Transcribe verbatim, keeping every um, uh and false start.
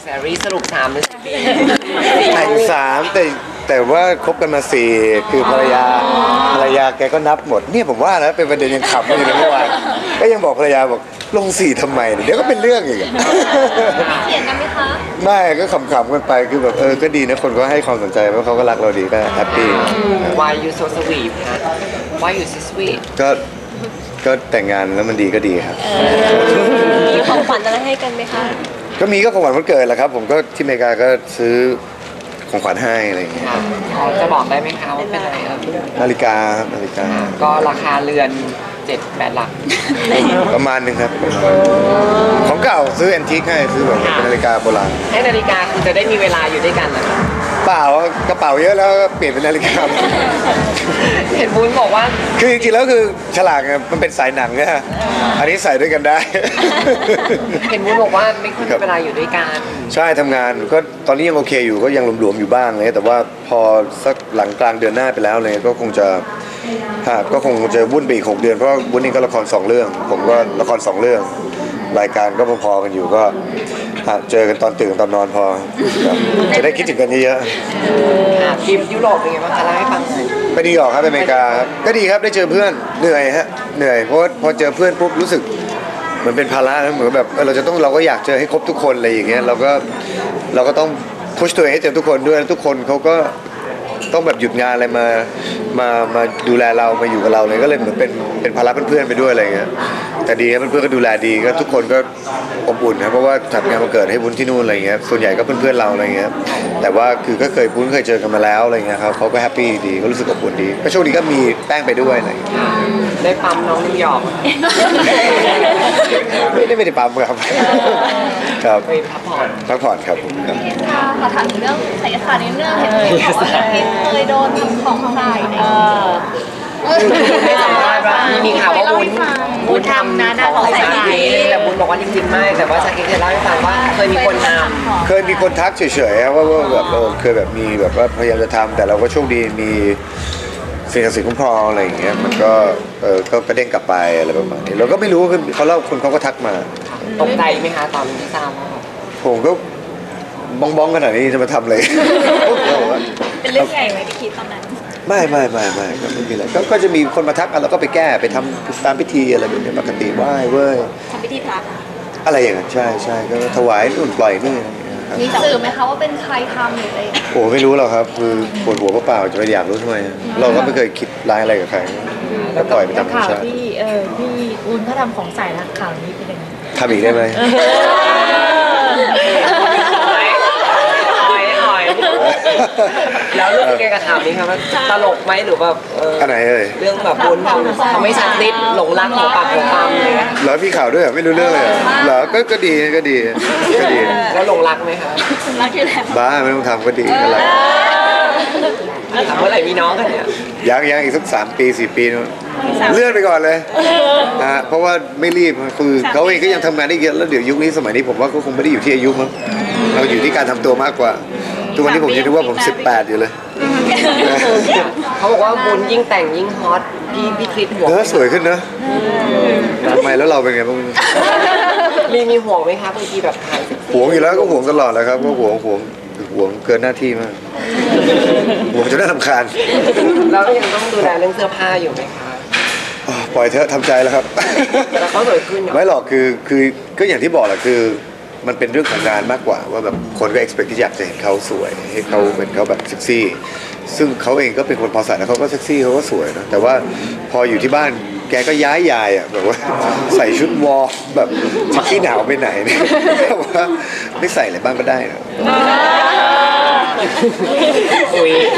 แซรี่สรุปสามหรือสี่ปีแต่งสามแต่แต่ว่าคบกันมาสี่คือภรรยาภรรยาแกก็นับหมดเนี่ยผมว่านะเป็นประเด็นยังขำอยู่เลยเมื่อวานก็ยังบอกภรรยาบอกลงสี่ทำไมเดี๋ยวก็เป็นเรื่องอีกเขียนกันไหมคะไม่ก็ขำๆกันไปคือแบบเออก็ดีนะคนก็ให้ความสนใจเพราะเขาก็รักเราดีก็แฮปปี้ Why you so sweet คะ Why you so sweet ก็ก็แต่งงานแล้วมันดีก็ดีครับมีของขวัญอะไรให้กันไหมคะก็มีก็ของขวัญวันเกิดแหละครับ ผมก็ที่อเมริกาก็ซื้อของขวัญให้อะไรอย่างเงี้ยค่ะพอจะบอกได้ไหมคะว่าเป็นอะไรเออนาฬิกาครับนาฬิกาก็ราคาเรือนเจ็ดแปดหลักประมาณหนึงครับของเก่าซื้อแอนทิคให้ซื้อแบบเป็นนาฬิกาโบราณให้นาฬิกาคือจะได้มีเวลาอยู่ด้วยกันเหรอคะเปล่ากระเป๋าเยอะแล้วก็เปลี่ยนเป็นนาฬิกาเห็นบุญบอกว่าคือจริงๆแล้วคือฉลากเนี่ยมันเป็นสายหนังนะอันนี้ใส่ด้วยกันได้เห็นบุญบอกว่าไม่ค่อยมีเวลาอยู่ด้วยกันใช่ทำงานก็ตอนนี้ยังโอเคอยู่ก็ยังหลวมๆอยู่บ้างเลยแต่ว่าพอสักหลังกลางเดือนหน้าไปแล้วเลยก็คงจะฮะก็คงจะวุ่นไปอีกหกเดือนเพราะว่าวุ่นนี่ก็ละครสองเรื่อง ผมก็ละครสองเรื่อง รายการก็พอๆกันอยู่ก็ฮะเจอกันตอนตื่นตอนนอนพอครับจะได้คิดถึงกันเยอะค่ะทริปยุโรปเป็นไงบ้างคะเล่าให้ฟังหน่อยๆไปนิวยอร์กครับไปอเมริกาครับก็ดีครับได้เจอเพื่อนเหนื่อยฮะเหนื่อยเพราะว่าพอเจอเพื่อนปุ๊บรู้สึกเหมือนเป็นภาระนะเหมือนแบบเออเราจะต้องเราก็อยากเจอให้ครบทุกคนอะไรอย่างเงี้ยเราก็เราก็ต้องพุชตัวเองให้เจอทุกคนด้วยแล้วทุกคนเขาก็ต้องแบบหยุดงานอะไรมามามาดูแลเรามาอยู่กับเราเลยก็เลยเหมือนเป็นเป็นภาระเพื่อนๆไปด้วยอะไรเงี้ยแต่ดีครับเพื่อนๆก็ดูแลดีก็ทุกคนก็อบอุ่นครับเพราะว่าจัดงานวันเกิดให้บุญที่นู่นอะไรเงี้ยส่วนใหญ่ก็เพื่อนๆเราอะไรเงี้ยแต่ว่าคือก็เคยบุญเคยเจอกันมาแล้วอะไรเงี้ยครับเขาก็แฮปปี้ดีก็รู้สึกอบอุ่นดีก็โชคดีก็มีแป้งไปด้วยอะไรเงี้ยได้ปั๊มน้องนิวยอร์กไม่ได้ไม่ได้ปั๊มครับครับไปพักผ่อนพักผ่อนครับผมครับค่ะขอถามถึงเรื่องไสยศาสตร์นิดนึงเห็นพี่บอกว่าพี่เคยโดนทำของใส่ในให้สัมภาษณ์ว่ามีข่าวว่าบุญบุญทำนะของใส่ชาเค้กแต่บุญบอกว่าจริงๆไม่แต่ว่าชาเค้กจะเล่าให้ฟังว่าเคยมีคนทำเคยมีคนทักเฉยๆครับว่าว่าแบบเออเคยแบบมีแบบว่าพยายามจะทำแต่เราก็โชคดีมีสิ่งศักดิ์สิทธิ์คุ้มครองอะไรอย่างเงี้ยมันก็เออก็กระเด้งกลับไปอะไรประมาณนี้เราก็ไม่รู้คือเขาเล่าคนเขาก็ทักมาตกใจไหมคะตอนที่ทราบว่าผมก็บ้องบ้องๆขนาดนี้จะมาทำเลยเป็นเรื่องใหญ่ไหมพี่คิดตอนนั้นไม่ไม่ไม่ไม่ก็ไม่มีอะไรก็ก็จะมีคนมาทักอ่ะเราก็ไปแก้ไปทำตามพิธีอะไรแบบนี้ปกติไหว้เว้ยทำพิธีพระอะไรอย่างเงี้ยใช่ใช่ก็ถวายนู่นปล่อยนี่อะไรอย่างเงี้ยครับมีสื่อไหมคะว่าเป็นใครทำหรืออะไรโอ้ไม่รู้หรอกครับคือปวดหัวเปล่าๆจะไปอยากรู้ทำไมเราก็ไม่เคยคิดร้ายอะไรกับใครก็ปล่อยไปตามธรรมข่าวชาติที่เออพี่อุ้นเขาทำของใส่ละข่าวนี้เป็นยังไงทำอีกได้ไหมหอยหอยหอยแล้วรู้สึกไงกับข่าวนี้ครับว่าตลกไหมหรือแบบเอออันไหนเอ่ยเรื่องแบบบุญทำทำให้ชาคริสหลงรักของปากของปามเลยนะเหรอพี่ข่าวด้วยเหรอไม่รู้เรื่องเลยเหรอเหรอก็ก็ดีก็ดีก็ดีแล้วหลงรักไหมคะรักอยู่แล้วบ้าไม่ต้องทำก็ดีก็ไรถามเมื่อไหร่มีน้องกันเนี่ยยังยังอีกสักสามปีสี่ปีนู้นเลื่อนไปก่อนเลยฮะเพราะว่าไม่รีบคือเขาเองก็ยังทำงานได้เยอะแล้วเดี๋ยวยุคนี้สมัยนี้ผมว่าก็คงไม่ได้อยู่ที่อายุมั้งเราอยู่ที่การทำตัวมากกว่าทุกวันนี้ผมยังนึกว่าผมสิบแปดอยู่เลยเขาบอกว่าบุญยิ่งแต่งยิ่งฮอตพี่พี่คริสห่วงเออสวยขึ้นนะทำไมแล้วเราเป็นไงบ้างมีมีห่วงไหมคะบางทีแบบถ่ายเซ็กซี่หวงอยู่แล้วก็หวงตลอดแหละครับก็หวงหวงหวงเกินหน้าที่มากหวงจนน่ารำคาญแล้วยังต้องดูแลเรื่องเสื้อผ้าอยู่ไหมคะอ๋อปล่อยเถอะทำใจแล้วครับแต่เขาสวยขึ้นเนอะไม่หรอกคือคือก็อย่างที่บอกแหละคือมันเป็นเรื่องของงานมากกว่าว่าแบบคนก็ expect ที่อยากจะเห็นเขาสวยให้เขาเหมือนเขาแบบเซ็กซี่ซึ่งเขาเองก็เป็นคนพอใส่แล้วเขาก็เซ็กซี่เขาก็สวยนะแต่ว่าพออยู่ที่บ้านแกก็ย้ายยายอ่ะแบบว่าใส่ชุดวอร์แบบจะขี้หนาวไปไหนเนี่ยแบบว่าไม่ใส่อะไรบ้างก็ได้นะคุย